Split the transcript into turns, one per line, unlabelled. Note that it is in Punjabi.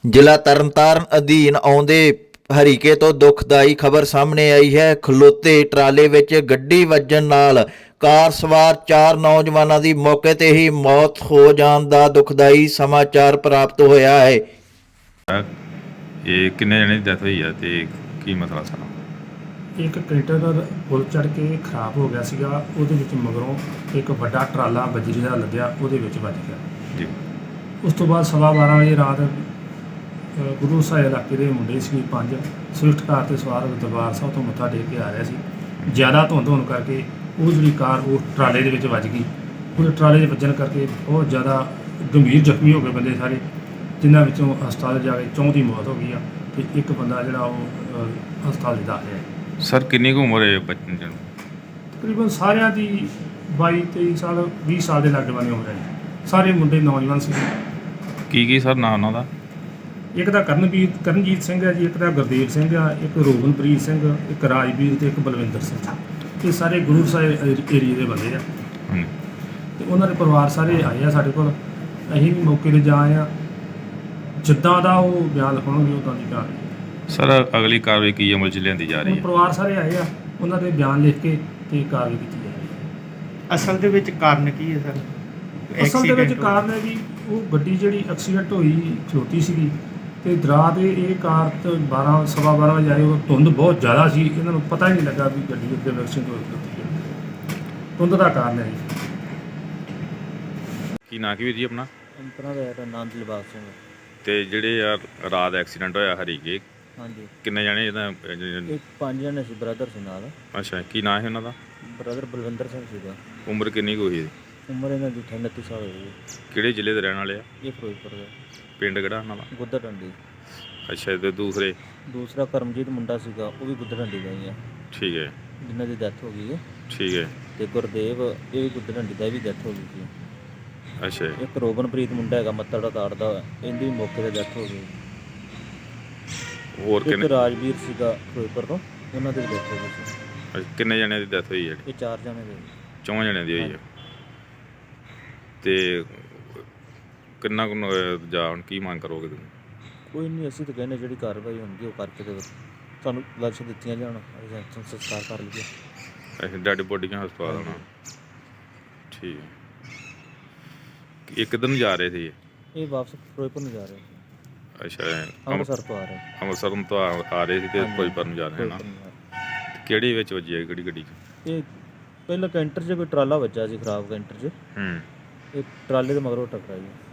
ਜ਼ਿਲ੍ਹਾ ਤਰਨਤਾਰਨ ਅਧੀਨ ਆਉਂਦੇ ਹਰੀਕੇ ਤੋਂ ਦੁਖਦਾਈ ਖਬਰ ਸਾਹਮਣੇ ਆਈ ਹੈ। ਖਲੋਤੇ ਟਰਾਲੇ ਵਿੱਚ ਗੱਡੀ ਵੱਜਣ ਨਾਲ ਕਾਰ ਸਵਾਰ 4 ਨੌਜਵਾਨਾਂ ਦੀ ਮੌਕੇ ਤੇ ਹੀ ਮੌਤ ਹੋ ਜਾਣ ਦਾ ਦੁਖਦਾਈ ਸਮਾਚਾਰ ਪ੍ਰਾਪਤ ਹੋਇਆ ਹੈ।
ਇਹ ਕਿੰਨੇ ਜਣੇ ਦੀ ਡੈਥ ਹੋਈ ਆ ਤੇ ਕੀ ਮਸਲਾ ਸਾਰਾ?
ਇੱਕ ਕੈਂਟਰ ਪੁਲ ਚੜ੍ਹ ਕੇ ਖਰਾਬ ਹੋ ਗਿਆ ਸੀਗਾ, ਉਹਦੇ ਵਿੱਚ ਮਗਰੋਂ ਇੱਕ ਵੱਡਾ ਟਰਾਲਾ ਬਜਰੀ ਦਾ ਲੱਦਿਆ, ਉਹਦੇ ਵਿੱਚ ਵੱਜ ਗਿਆ
ਜੀ।
ਉਸ ਤੋਂ ਬਾਅਦ 12:15 ਵਜੇ ਰਾਤ ਗੁਰੂ ਸਾਹਿਬ ਇਲਾਕੇ ਦੇ ਮੁੰਡੇ ਸੀ 5 ਸਵਿਫਟ ਕਾਰ ਤੇ ਸਵਾਰ ਦਰਬਾਰ ਸਾਹਿਬ ਤੋਂ ਮੱਥਾ ਟੇਕ ਕੇ ਆ ਰਿਹਾ ਸੀ। ਜ਼ਿਆਦਾ ਧੁੰਦ ਹੋਣ ਕਰਕੇ ਉਹ ਜਿਹੜੀ ਕਾਰ ਉਹ ਟਰਾਲੇ ਦੇ ਵਿੱਚ ਵੱਜ ਗਈ। ਉਹ ਟਰਾਲੇ 'ਚ ਵੱਜਣ ਕਰਕੇ ਬਹੁਤ ਜ਼ਿਆਦਾ ਗੰਭੀਰ ਜ਼ਖਮੀ ਹੋ ਗਏ ਬੰਦੇ ਸਾਰੇ, ਜਿਨ੍ਹਾਂ ਵਿੱਚੋਂ ਹਸਪਤਾਲ ਜਾ ਕੇ 4 ਦੀ ਮੌਤ ਹੋ ਗਈ ਆ ਤੇ ਇੱਕ ਬੰਦਾ ਜਿਹੜਾ ਉਹ ਹਸਪਤਾਲ 'ਚ ਦਾਖਲ ਹੈ।
ਸਰ ਕਿੰਨੀ ਕੁ ਉਮਰ ਹੈ ਬੱਚੇ ਨੂੰ?
ਤਕਰੀਬਨ ਸਾਰਿਆਂ ਦੀ 22-23 ਸਾਲ 20 ਸਾਲ ਦੇ ਲਾਗੇ ਬੰਨੇ ਉਮਰ ਹੈ। ਸਾਰੇ ਮੁੰਡੇ ਨੌਜਵਾਨ ਸੀ।
ਕੀ ਸਰ ਨਾਂ ਉਹਨਾਂ ਦਾ?
ਇੱਕ ਦਾ ਕਰਨਜੀਤ ਸਿੰਘ ਹੈ ਜੀ, ਇੱਕ ਦਾ ਗੁਰਦੇਵ ਸਿੰਘ ਆ, ਇੱਕ ਰੋਗਨਪ੍ਰੀਤ ਸਿੰਘ, ਇੱਕ ਰਾਜਵੀਰ ਤੇ ਇੱਕ ਬਲਵਿੰਦਰ ਸਿੰਘ। ਇਹ ਸਾਰੇ ਗੁਰੂ ਸਾਹਿਬ ਏਰੀਏ ਦੇ ਬੰਦੇ ਆ ਤੇ ਉਹਨਾਂ ਦੇ ਪਰਿਵਾਰ ਸਾਰੇ ਆਏ ਆ ਸਾਡੇ ਕੋਲ। ਅਸੀਂ ਵੀ ਮੌਕੇ 'ਤੇ ਜਾ ਆਏ ਆ। ਜਿੱਦਾਂ ਦਾ ਉਹ ਬਿਆਨ ਲਿਖਾਉਣਗੇ ਉੱਦਾਂ ਦੀ ਕਾਰਵਾਈ।
ਸਰ ਅਗਲੀ ਕਾਰਵਾਈ ਕੀ ਅਮਲ 'ਚ ਲਿਆਂਦੀ ਜਾ ਰਹੀ
ਹੁਣ
ਹੈ?
ਪਰਿਵਾਰ ਸਾਰੇ ਆਏ ਆ, ਉਹਨਾਂ ਦੇ ਬਿਆਨ ਲਿਖ ਕੇ ਤੇ ਕਾਰਵਾਈ ਕੀਤੀ ਜਾ ਰਹੀ ਹੈ।
ਅਸਲ ਦੇ ਵਿੱਚ ਕਾਰਨ ਕੀ ਹੈ ਸਰ?
ਅਸਲ ਦੇ ਵਿੱਚ ਕਾਰਨ ਹੈ ਜੀ, ਉਹ ਗੱਡੀ ਜਿਹੜੀ ਐਕਸੀਡੈਂਟ ਹੋਈ ਖਲੋਤੀ ਸੀਗੀ ਤੇ ਦਰਾ ਦੇ ਇਹ ਕਾਰ ਤੇ 12:15 ਵਜੇ ਆਏ। ਉਹ ਧੁੰਦ ਬਹੁਤ ਜ਼ਿਆਦਾ ਸੀ, ਇਹਨਾਂ ਨੂੰ ਪਤਾ ਹੀ ਨਹੀਂ ਲੱਗਾ ਵੀ ਗੱਡੀ ਉੱਤੇ ਐਕਸੀਡੈਂਟ ਹੋ ਖਲੋਤੀ ਹੈ। ਧੁੰਦ ਦਾ ਕਾਰਨ ਹੈ ਜੀ।
ਕੀ ਨਾਂ ਕੀ ਵੀਰ ਜੀ ਆਪਣਾ?
ਅੰਤਰਾ ਦਾ ਨਾਮ ਦਿਲਬਾਗ ਸਿੰਘ।
ਤੇ ਜਿਹੜੇ ਆ ਰਾਤ ਐਕਸੀਡੈਂਟ ਹੋਇਆ ਹਰੀਕੇ,
ਹਾਂਜੀ,
ਕਿੰਨੇ ਜਣੇ ਇਹਦਾ?
ਇਹ 5 ਜਣੇ ਸੀ, ਬ੍ਰਦਰ ਸੀ ਨਾਲ।
ਅੱਛਾ, ਕੀ ਨਾਂ ਹੈ ਉਹਨਾਂ ਦਾ?
ਬ੍ਰਦਰ ਬਲਵਿੰਦਰ ਸਿੰਘ ਸੀਗਾ।
ਉਮਰ ਕਿੰਨੀ ਕੁ ਹੋਈ ਹੈ?
ਉਮਰ ਇਹਨਾਂ ਦੀ 29 ਸਾਲ ਹੋਈ।
ਕਿਹੜੇ ਜ਼ਿਲ੍ਹੇ ਦੇ ਰਹਿਣ ਵਾਲੇ ਆ?
ਇਹ ਫਿਰੋਜ਼ਪੁਰ ਦਾ,
ਪਿੰਡ ਕਿਹੜਾ ਉਹਨਾਂ ਦਾ?
ਗੁੱਦਰ ਡੰਡੀ।
ਅੱਛਾ, ਤੇ ਦੂਸਰੇ?
ਦੂਸਰਾ ਕਰਮਜੀਤ ਮੁੰਡਾ ਸੀਗਾ, ਉਹ ਵੀ ਗੁੱਦਰ ਡੰਡੀ ਦਾ ਹੀ ਆ,
ਠੀਕ ਹੈ
ਜਿਨ੍ਹਾਂ ਦੀ ਡੈਥ ਹੋ ਗਈ ਹੈ।
ਠੀਕ ਹੈ।
ਤੇ ਗੁਰਦੇਵ, ਇਹ ਵੀ ਗੁੱਦਰ ਡੰਡੀ ਦਾ, ਵੀ ਡੈਥ ਹੋ ਗਈ ਸੀ।
ਅੱਛਾ
ਇੱਕ ਰੋਗਨਪ੍ਰੀਤ ਮੁੰਡਾ ਹੈਗਾ ਮੱਤੜ ਦਾ ਤਾੜਦਾ, ਇਹਦੀ ਵੀ ਮੌਕੇ 'ਤੇ ਡੈਥ ਹੋ ਗਈ।
ਹੋਰ
ਇੱਕ
ਕਿੰਨੇ?
ਰਾਜਵੀਰ ਸੀਗਾ ਫਿਰੋਜ਼ਪੁਰ ਤੋਂ, ਉਹਨਾਂ ਦੀ ਵੀ ਡੈਥ ਹੋ ਗਈ ਸੀ।
ਅੱਛਾ, ਕਿੰਨੇ ਜਣਿਆਂ ਦੀ ਡੈਥ ਹੋਈ ਹੈ?
ਇਹ 4 ਜਣੇ ਦੇ।
4 ਜਣਿਆਂ ਦੀ ਹੋਈ ਹੈ। ਤੇ ਕਿੰਨਾ ਕੁ ਜਾ ਹੁਣ ਕੀ ਮੰਗ ਕਰੋਗੇ ਤੁਸੀਂ?
ਕੋਈ ਨਹੀਂ, ਅਸੀਂ ਤਾਂ ਕਹਿੰਦੇ ਜਿਹੜੀ ਕਾਰਵਾਈ ਹੁੰਦੀ ਉਹ ਕਰਕੇ ਤੇ ਤੁਹਾਨੂੰ ਲਾਸ਼ ਦਿੱਤੀਆਂ ਜਾਣ, ਅਸੀਂ ਸੰਸਕਾਰ ਕਰ ਲਈਏ।
ਅੱਛਾ, ਡੈਡ ਬੋਡੀਆਂ ਹਸਪਤਾਲ ਆਉਣਾ। ਠੀਕ ਹੈ। ਇਹ ਕਿੱਧਰ ਨੂੰ ਜਾ ਰਹੇ ਸੀ?
ਇਹ ਵਾਪਸ ਫਿਰੋਜ਼ਪੁਰ ਨੂੰ ਜਾ ਰਹੇ ਸੀ।
ਅੱਛਾ,
ਅੰਮ੍ਰਿਤਸਰ ਤੋਂ ਆ ਰਹੇ।
ਅੰਮ੍ਰਿਤਸਰ ਤੋਂ ਆ ਰਹੇ ਸੀ ਤੇ
ਹਾਂਜੀ,
ਫਿਰੋਜ਼ਪੁਰ ਨੂੰ ਜਾ ਰਹੇ ਨਾ?
ਫਿਰੋਜ਼ਪੁਰ ਨੂੰ ਜਾ ਰਹੇ।
ਕਿਹੜੀ ਵਿੱਚ ਵੱਜੀ ਹੈ, ਕਿਹੜੀ ਗੱਡੀ 'ਚ?
ਇਹ ਪਹਿਲਾਂ ਕੈਂਟਰ 'ਚ ਕੋਈ ਟਰਾਲਾ ਵੱਜਾ ਸੀ, ਖਰਾਬ ਕੈਂਟਰ 'ਚ।
ਹੂੰ।
ਇਹ ਟਰਾਲੇ ਦੇ ਮਗਰੋਂ ਟਕਰਾਇਆ ਜੀ।